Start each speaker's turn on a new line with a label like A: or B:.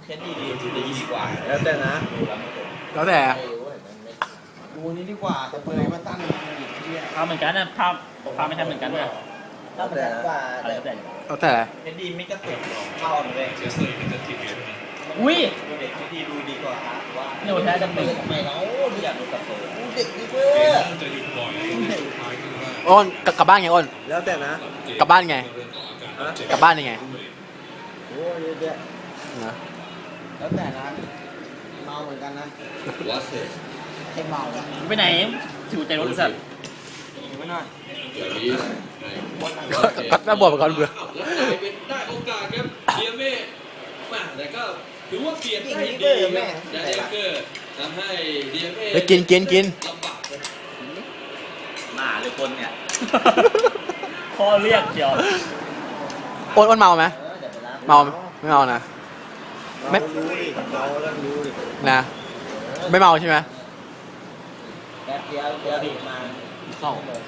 A: เท็ดดี้ดีกว่า
B: แล้วแต่นะ
C: แล้วแต่
B: ดูนี้ดีกว่าแต่เปยมาตั้งอีกที่
D: ภาพเหมือนกันนะภาพไม่ใช่เหมือนกันนะ
A: แล้วแต่กว่า
D: อะไร
A: แต่
D: ก็แต่
C: แล้วแต่
A: เท็ดดี้ไม่กระตุกเข้าเลย
D: อุ้ย
A: เด็กเท็ดดี้ดูดีกว่าว่า
D: เร็วแท้จะ
A: เปิ
D: เปิ
A: ด
D: ด
A: ทำไมเนาะดูอยากดูกับเปิดเด็กดีเว้ย
C: อ้นกลับบ้านไงอ้น
B: แล้วแต่นะ
C: กลับบ้านไง
B: ฮะ
C: กลับบ้านยังไง
B: โอ้ยเยอะแยะ
C: นะ
B: แล้วแต่นะเมาเหมือนกันนะให้เมาอ่ะ
D: ไปไหนถือใจรถสัตว์
B: ไม่น่า
C: ก็น่าบ่นเหมือนกันเบื่อ
E: ได้โอกาสครับเดียเม่มาแต่ก็ถือว่าเปลี่ยนได้
A: ยิง
E: ดี
A: เกอร์
E: ค
A: แม่
E: รับยาเดเกอร์ทำให้เดียเม่
C: ไปกิน
E: ลำบากครับ
A: หมาหรือคนเนี่ย
D: พ่อเรียกเดียว
C: อ้นเมาไหม
A: เดี๋ยวไปรับ
C: เมาไม่เมานะ ไม่
B: เมารู้ดิเมาแล้วรู้ดิ
C: นะไม่เมาใช่ไหม
A: แป๊บเดียวเดี๋ยวมา
C: เข้า